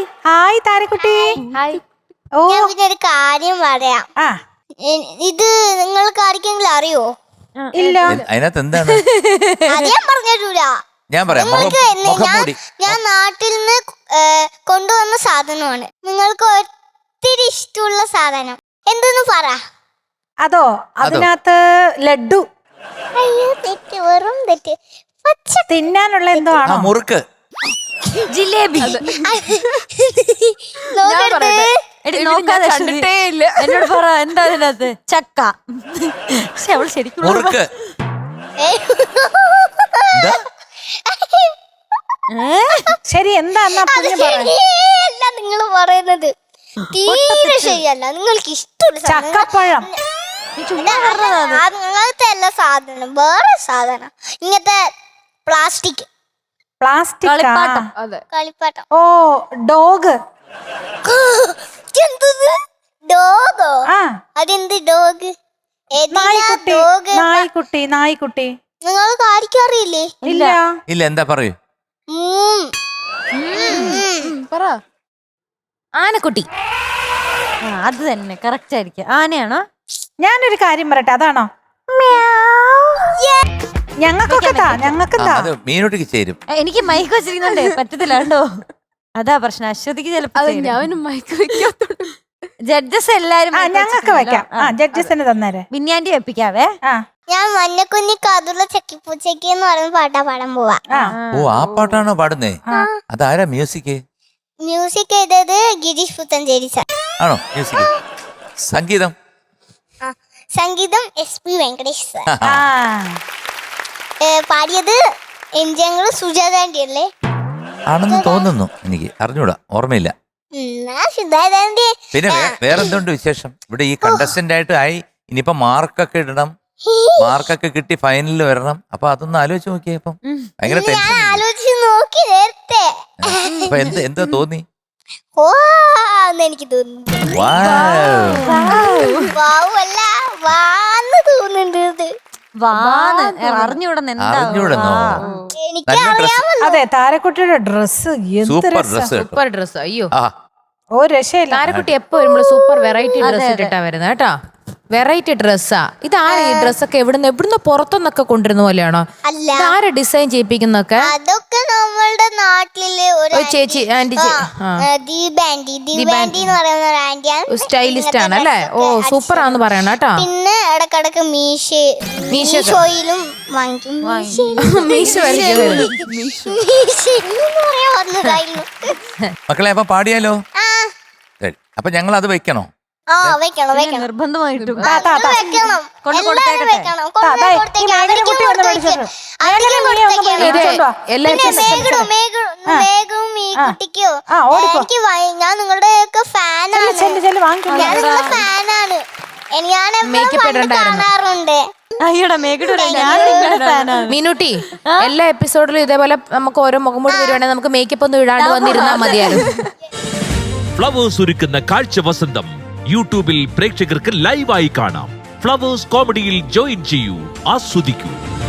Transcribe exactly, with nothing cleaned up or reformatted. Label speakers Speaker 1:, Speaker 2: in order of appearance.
Speaker 1: Hi താരക്കുട്ടി. ഓ
Speaker 2: ഞാൻ പിന്നെ ഒരു കാര്യം പറയാം. ഇത് നിങ്ങൾക്ക് ആർക്കെങ്കിലും അറിയോ?
Speaker 1: ഇല്ല.
Speaker 3: അതിനകത്ത് എന്താണ്?
Speaker 2: അത് ഞാൻ പറഞ്ഞിട്ടില്ല.
Speaker 3: ഞാൻ പറയാം.
Speaker 2: ഞാൻ നാട്ടിൽ നിന്ന് കൊണ്ടുവന്ന സാധനമാണ്. നിങ്ങൾക്ക് ഒത്തിരി ഇഷ്ടമുള്ള സാധനം എന്തെന്ന് പറ.
Speaker 1: അതോ? അതിനകത്ത് ലഡ്ഡു.
Speaker 2: അയ്യോ തെറ്റ്, വെറും തെറ്റ്. പച്ച
Speaker 1: തിന്നാനുള്ള എന്തോ ആണോ?
Speaker 3: മുറുക്ക്,
Speaker 4: ജിലേബി. കണ്ടിട്ടേ ഇല്ല. എന്നോട് പറ എന്താ അതിനകത്ത്? ചക്ക. അവൾ ശരിക്കും
Speaker 3: മുറുക്ക്.
Speaker 1: ശരി, എന്താ
Speaker 2: നിങ്ങൾ പറയുന്നത്? തീരെ ശരിയല്ല. നിങ്ങൾക്ക് ഇഷ്ടമുള്ള
Speaker 1: ചക്കപ്പഴം.
Speaker 2: അങ്ങനത്തെ എല്ലാ സാധനം, വേറെ സാധനം. ഇങ്ങനത്തെ പ്ലാസ്റ്റിക്
Speaker 1: പ്ലാസ്റ്റിക്
Speaker 2: കളിപ്പാട്ടം.
Speaker 1: ഓ ഡോഗ്.
Speaker 2: ഡോഗോ? അതെന്ത് ഡോഗ്?
Speaker 1: നായ്ക്കുട്ടി. നായ്ക്കുട്ടി
Speaker 2: നിങ്ങൾക്ക് ആർക്കും അറിയില്ലേ?
Speaker 1: ഇല്ല
Speaker 3: ഇല്ല. എന്താ പറയൂ?
Speaker 4: പറ. ആനക്കുട്ടി. അത് തന്നെ കറക്റ്റ് ആയിരിക്കും. ആനയാണോ?
Speaker 1: ഞാനൊരു കാര്യം പറയട്ടെ, അതാണോ? ഞങ്ങൾക്കൊക്കെ ഞങ്ങൾക്കെന്താ?
Speaker 3: മീനോട്ടിക്ക് ചേരും.
Speaker 4: എനിക്ക് മൈക്ക് വെച്ചിരിക്കുന്നുണ്ടേ പറ്റത്തില്ല കേട്ടോ. അതാ പ്രശ്നം. അശ്വതിക്ക് ചിലപ്പോ മൈക്ക് വെക്കാത്തോണ്ട് ജഡ്ജസ് എല്ലാരും
Speaker 1: ഞങ്ങൾക്ക് വെക്കാം. ജഡ്ജസിന് തന്നേരെ.
Speaker 4: ബിന്യാൻറ്റി വെപ്പിക്കാവേ.
Speaker 2: ഞാൻ മഞ്ഞക്കുഞ്ഞി കാതുള്ള ചക്കിപ്പൂച്ചയ്ക്ക് എന്ന് പറയുന്ന പാട്ടാ പാടാൻ പോവാ.
Speaker 3: ഓ, ആ പാട്ടാണോ പാടുന്നേ? അതാരാ മ്യൂസിക്?
Speaker 2: മ്യൂസിക് ചെയ്തത് ഗിരീഷ് പുത്തഞ്ചേരി സാർ
Speaker 3: ആണോ? മ്യൂസിക്. സംഗീതം
Speaker 2: സംഗീതം എസ് പി വെങ്കടേഷ് സാർ. പാടിയത് എംജിങ്ങൾ സുജാത ആന്റി അല്ലേ?
Speaker 3: ആണെന്ന് തോന്നുന്നു. എനിക്ക് അറിഞ്ഞൂടാ, ഓർമ്മയില്ല. പിന്നെ വേറെന്തുണ്ട് വിശേഷം? ഇവിടെ ഈ കണ്ടസ്റ്റന്റ് ആയിട്ട് ആയി. ഇനിയിപ്പോ മാർക്കൊക്കെ ഇടണം. മാർക്കൊക്കെ കിട്ടി ഫൈനലിൽ വരണം. അപ്പൊ അതൊന്ന് ആലോചിച്ച് നോക്കിയേ. ഇപ്പം ഭയങ്കര ടെൻഷൻ. അപ്പൊ എന്ത് എന്താ തോന്നി?
Speaker 2: എനിക്ക് തോന്നുന്നു
Speaker 1: അതെ, താരക്കുട്ടിയുടെ dress
Speaker 3: super dress.
Speaker 5: Super dress. അയ്യോ,
Speaker 1: ഓ രക്ഷയില്ല.
Speaker 5: താരക്കുട്ടി എപ്പോ വരുമ്പോഴും സൂപ്പർ വെറൈറ്റി ഡ്രസ് ഇട്ടിട്ടാ വരുന്നത് കേട്ടോ. വെറൈറ്റി ഡ്രസ്സാ. ഇതാരാ ഈ ഡ്രസ്സൊക്കെ? എവിടുന്ന് എവിടുന്ന് പുറത്തുനിന്നൊക്കെ കൊണ്ടുവരുന്ന പോലെയാണോ? ആരാ ഡിസൈൻ ചെയ്യിപ്പിക്കുന്നൊക്കെ?
Speaker 2: അതൊക്കെ നമ്മളുടെ നാട്ടില് ഒരു
Speaker 5: ചേച്ചി ആന്റി സ്റ്റൈലിസ്റ്റ് ആണ് അല്ലേ? ഓ സൂപ്പർ ആന്ന് പറയണ കേട്ടോ.
Speaker 2: പിന്നെ ഇടക്കിടക്ക് മീശ മീശോയിലും വാങ്ങിക്കും.
Speaker 5: മീശ
Speaker 3: മക്കളെ അപ്പൊ പാടിയാലോ? അപ്പൊ ഞങ്ങൾ അത് വെക്കണോ?
Speaker 4: നിർബന്ധമായിട്ടും
Speaker 2: ഞാൻ നിങ്ങളുടെ ഫാനാണ്. കാണാറുണ്ട്.
Speaker 5: മീനുട്ടി, എല്ലാ എപ്പിസോഡിലും ഇതേപോലെ നമുക്ക് ഓരോ മുഖംമൂടി വരുവാണെങ്കിൽ നമുക്ക് മേക്കപ്പ് ഒന്നും ഇടാണ്ട് വന്നിരുന്നാൽ മതിയായിരുന്നു.
Speaker 6: ഫ്ലവേഴ്സ് ഒരുക്കുന്ന കാഴ്ച വസന്തം യൂട്യൂബിൽ പ്രേക്ഷകർക്ക് ലൈവായി കാണാം. ഫ്ലവേഴ്സ് കോമഡിയിൽ ജോയിൻ ചെയ്യൂ, ആസ്വദിക്കൂ.